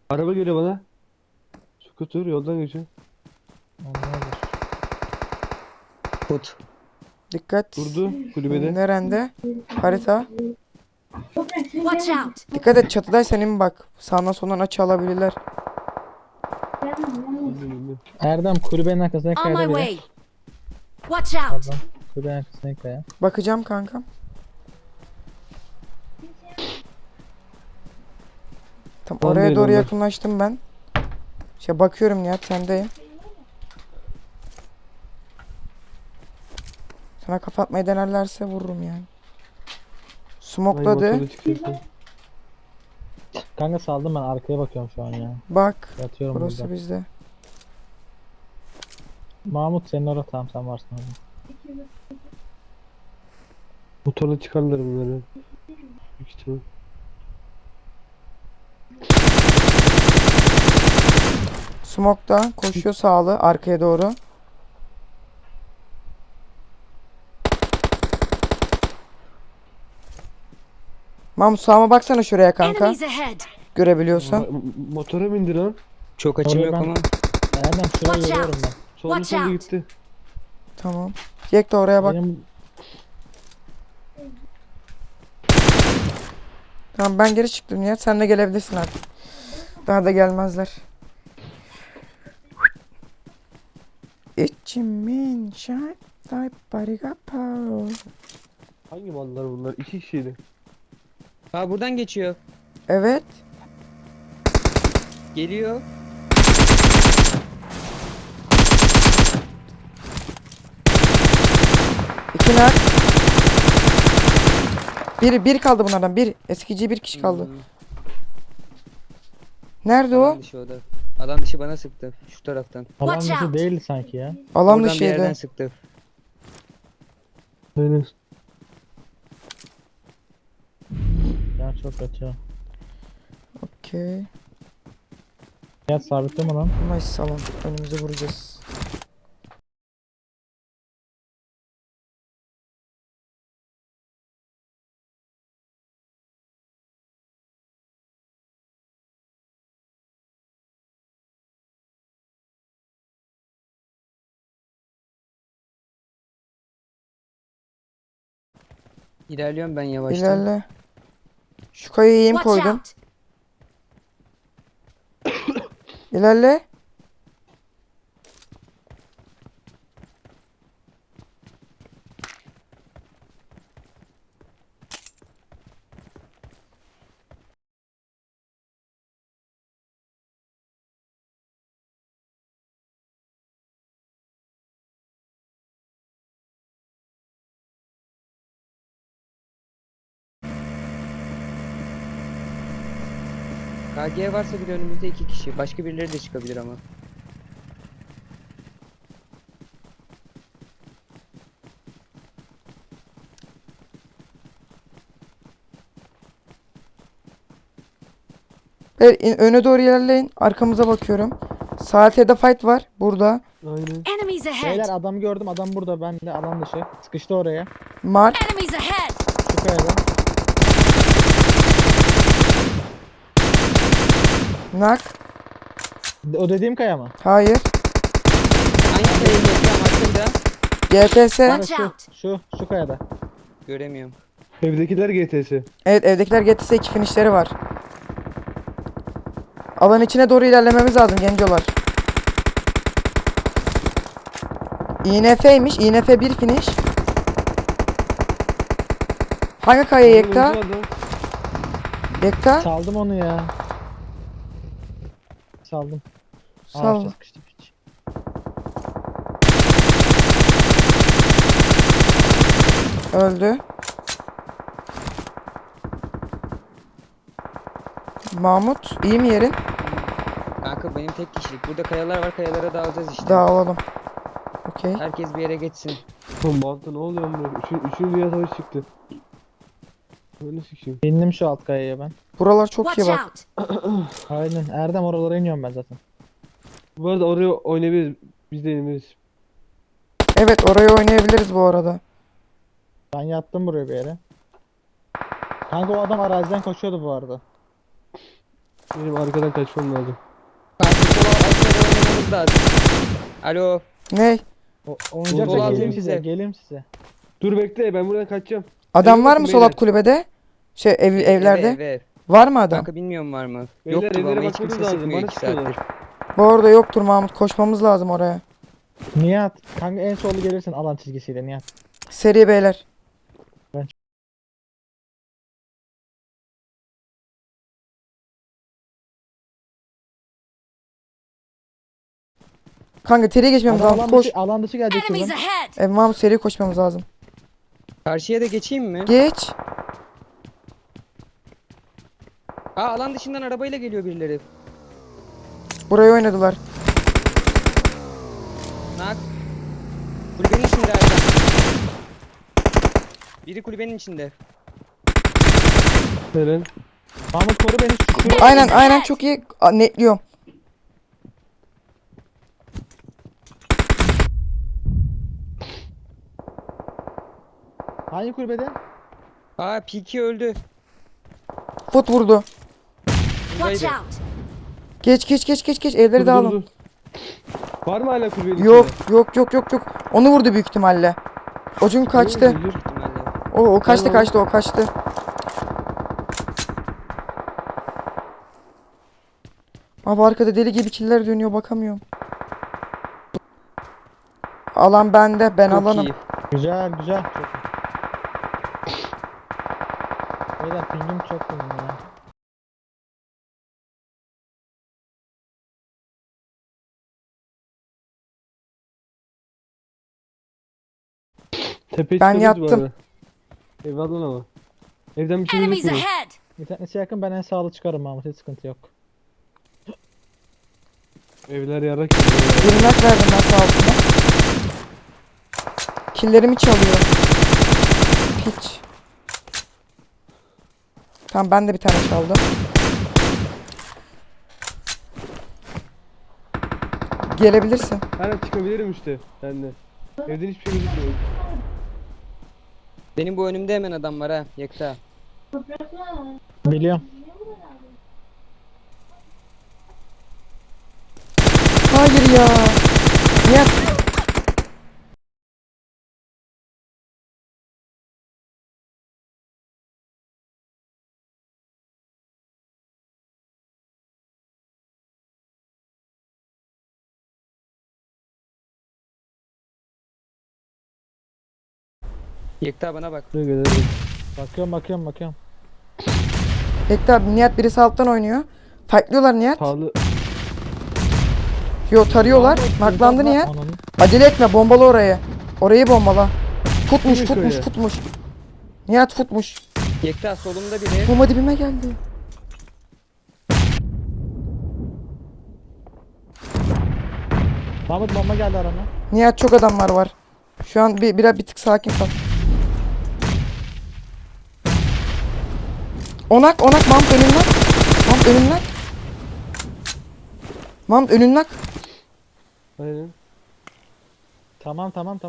Araba geliyor bana. Scooter yoldan geçiyor. Onlardır. Bot. Dikkat. Durdu kulübede. Nerende? Harita. Watch out! Dikkat et, çatıdaysan in bak. Sağdan soldan açı alabilirler. Bilmiyorum. Erdem kulübenin arkasına On my kayada bile. way! Watch out! Pardon. Kulübenin arkasına kaya. Bakacağım kankam. Tam Tam oraya değil doğru onlar. yakınlaştım ben. Bakıyorum Nihat, sendeyim. Sana kafa atmayı denerlerse vururum yani. Ay, Smokladı. motorla çıkıyorsun. Kanka saldım, ben arkaya bakıyorum şu an ya. Bak. Yatıyorum Burası burada. bizde. Mahmut senin orada, tamam sen varsın orada. Motorla çıkarlar bunları. Büyük ihtimal. Smoke'da koşuyor sağlı arkaya doğru. Mahmut sağıma baksana şuraya kanka. Enemies ahead! Görebiliyorsan. Motora bindi lan. Çok açım Oraya yok ben- ama. Erdem şurayı Watch görüyorum out. ben. Solda Watch solda out. gitti. Tamam. Jack de oraya bak. Benim Tamam, ben geri çıktım ya. Sen de gelebilirsin artık. Daha da gelmezler. İçimin şart bariga pow. Hangi mallar bunlar? İki kişiydi. Ha buradan geçiyor. Evet. Geliyor. İki nak. Bir kaldı bunlardan. Bir. Eskici bir kişi kaldı. Hmm, Nerede Alan o? dışı o da. Alan dışı bana sıktı. Şu taraftan. alan Watch dışı out. değildi sanki ya. Alan Oradan bir yerden dışıydı. sıktı. Aynen. Ya çok kötü. Okey. Ya sabitli mi lan? Nice salon. Önümüze vuracağız. İlerliyorum ben yavaştan. İlerle. Şu kayayı yem Watch koydum. out! İlerle. KG varsa bir de önümüzde iki kişi. Başka birileri de çıkabilir ama. Evet, öne doğru ilerleyin. Arkamıza bakıyorum. Saatede fight var. Burada. Aynen. Enemies Beyler ahead! adam gördüm, adam burada, ben de alan dışı. Sıkıştı oraya. Mark. Enemies ahead! Şu kayada. Nak. O dediğim kaya mı? Hayır. Aynı sayıyı geçiyorum aslında. GTS. Watch out! Şu kayada. Göremiyorum. Evdekiler GTS. Evet, evdekiler GTS 2 finişleri var. Alan içine doğru ilerlememiz lazım gencolar. INF'ymiş. INF 1 finish. Hangi kaya Yekta? Önce adam. Yekta? Saldım onu ya. Saldım. Sal. Ağaçta sıkıştı piç. Öldü. Mahmut, iyi mi yerin? Kanka benim tek kişilik. Burada kayalar var. Kayalara dağılacağız işte. Dağılalım. Okey. Herkes bir yere geçsin. Oğlum Bantı ne oluyor amına? Üçüncü dünya savaşı çıktı. Öyle sikeyim. İndim şu alt kayaya ben. Buralar çok iyi Watch bak. out! Aynen. Erdem oralara iniyorum ben zaten. Bu arada oraya oynayabiliriz. Biz de yeniliriz. Evet, orayı oynayabiliriz bu arada. Ben yattım buraya bir yere. Kanka o adam araziden koşuyordu bu arada. Benim arkadan kaçmam lazım. Kanka sola altlara oynamamız lazım. Alo. Ne? Oynayacaksa Sol geleyim atayım size. size. Geleyim size. Dur bekle, ben buradan kaçacağım. Adam Eve var bakın mı sol alt beyler. kulübede? Şey evlerde. Ev. Var mı adam? Kanka bilmiyorum var mı? Beyler, Yoktur evlere ama hiç bakmamız kimse lazım. sıkmıyor Bana 2 saattir. sıkıyorlar. Bu arada yoktur Mahmut. Koşmamız lazım oraya. Nihat. Kanka en solda gelirsin alan çizgisiyle Nihat. Seri beyler. Kanka seri geçmemiz Adam lazım. Koş. alan dışı gelecek Enemies şuradan. ahead! Mahmut seri koşmamız lazım. Karşıya da geçeyim mi? Geç. Aa alan dışından arabayla geliyor birileri. Burayı oynadılar. Nak. Kulübenin içinde Erdem. Biri kulübenin içinde. Helal. Mahmut koru beni. Şu Aynen çok iyi. Netliyorum. hangi kulübede? Aa P2 öldü. Fut vurdu. Watch Buradaydı. out! Geç. Evleri Dur, dağılın. dur. Var mı hala kulübenin Yok içinde? yok. Onu vurdu büyük ihtimalle. O çünkü kaçtı. Dur, dur. Büyük ihtimalle. O kaçtı Tamam. o kaçtı. Abi arkada deli gibi killer dönüyor bakamıyorum. Alan bende ben Çok alanım. iyi. Güzel. Çok iyi. Beyler pingim çok benim ya. Tepe Ben çıkabiliriz bu yattım. arada. Ev alın ama. Evden bir şey Enemies gözükmüyor. ahead! Bir tanesi yakın ben en sağlı çıkarım Mahmut hiç sıkıntı yok. Evler yarak yiyor. Birini nak verdim ben sağ altına. Killerimi çalıyor. Piç. Tamam ben de bir tane çaldım. Gelebilirsin. Hala çıkabilirim işte ben de. Evden hiçbir şey gözükmüyor. Benim bu önümde hemen adam var ha. Yekta. Biliyorum. Hayır ya. Nihat. Yekta bana bak. Buraya gelelim. Bakıyorum. Bekle abi Nihat birisi alttan oynuyor. Fightlıyorlar Nihat. Pahalı. Yo tarıyorlar. Naklandı Nihat. Ananı. Acele etme bombala orayı. Orayı bombala. Yürü şöyle. Futmuş. Nihat futmuş. Yekta solumda biri. Bomba dibime geldi. Mahmut bomba geldi arama. Nihat çok adamlar var. Şu an bir tık sakin kal. Onak Mahmut önünden. Mahmut önünden. Aynen. Tamam. Tamam.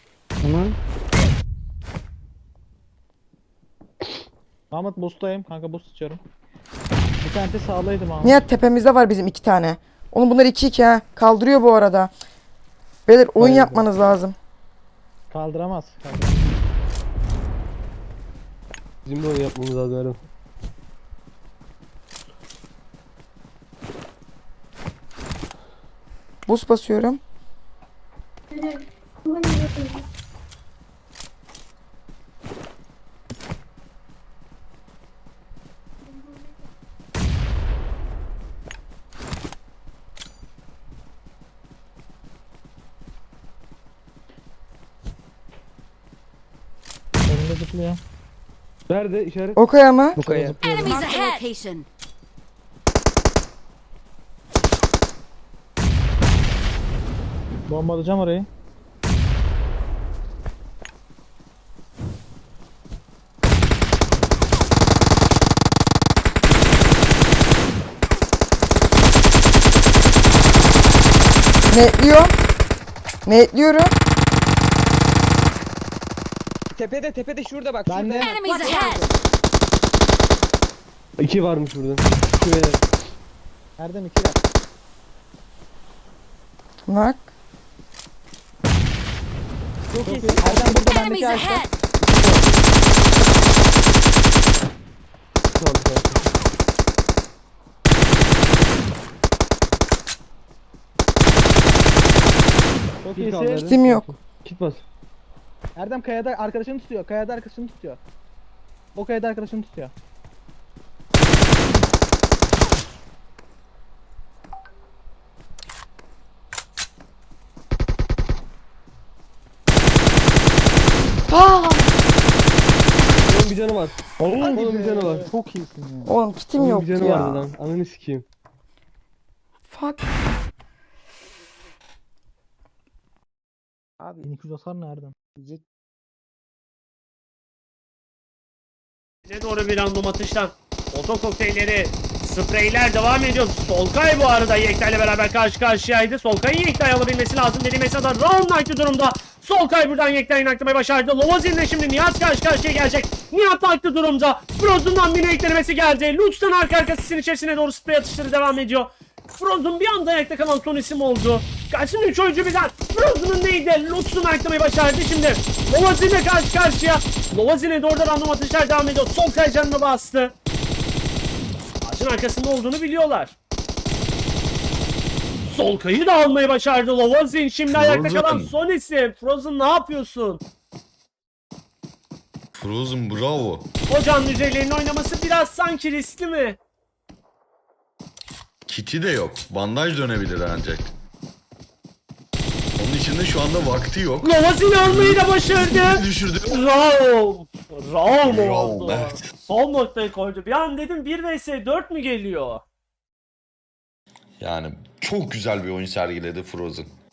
Mahmut boost'tayım. Kanka boost içiyorum. Bir tanesi sağlaydı Mahmut. Nihat tepemizde var bizim 2 tane. Oğlum bunlar 2-2 ha. Kaldırıyor bu arada. Beyler oyun Hayır. yapmanız lazım. Kaldıramaz. Bizim de onu yapmamız lazım Erdem. Boost basıyorum. Önünde zıplıyor. Nerede işaret? Okaya mı? Bu kaya. Enemies Marked a ahead! location. Bombalayacağım orayı. Netliyorum. Tepede şurada bak. Ben şurada. de. Enemies Watch ahead! out! 2 varmış burada. 2 beyler. Erdem 2'ler. Bak. Çok Çok iyi. iyisin. Erdem burada Enemies bendeki ağaçta. ahead! Tamam tamam. Çok Bir kaldı iyisin. Erdem. Kitim yok. Kit bas. Erdem kayada arkadaşını tutuyor. Kayada arkadaşını tutuyor. O kayada arkadaşını tutuyor. Aa! Onun bir canı var. Onun bir canı var. Çok iyisin ya. Oğlum kitim Onun yok bir canı ya. vardı lan. Ananı sikeyim. Fuck. Abi 1200 hasar ne Erdem? yiyecek Ne doğru bir random atıştan. Oto kokteylleri, spreyler devam ediyor. Solkay bu arada Yekta ile beraber karşı karşıyaydı. Solkay'ın Yekta'yı alabilmesi lazım dedi. Mesela round knight'ı durumda. Solkay buradan Yekta'yı naklamayı başardı. Lovazin'le şimdi Nihat karşı karşıya gelecek. Nihat naklı durumda. Frozen'dan bir eklemesi geldi. Lutz'tan arka arkasının içerisine doğru sprey atışları devam ediyor. Frozen bir anda ayakta kalan son isim oldu. Karşısında 3 oyuncu birden. Frozen'ın neydi? Lutz'un ayaktamayı başardı şimdi. Lovazin'le karşı karşıya. Lovazin'e doğru da random atışlar devam ediyor. Solkay canını bastı. Ağacın arkasında olduğunu biliyorlar. Solkay'ı da almayı başardı Lovazin. Şimdi ayakta kalan son isim. Frozen ne yapıyorsun? Frozen bravo. Hocam üzerlerinin oynaması biraz sanki riskli mi? Kiti de yok. Bandaj dönebilir ancak. Onun için de şu anda vakti yok. Lovazin'i almayı da başardı. Düşürdü. Raul. Raul mu Raul, oldu? evet. Son noktayı koydu. Bir an dedim 1 vs 4 mü geliyor? Yani çok güzel bir oyun sergiledi Frozen.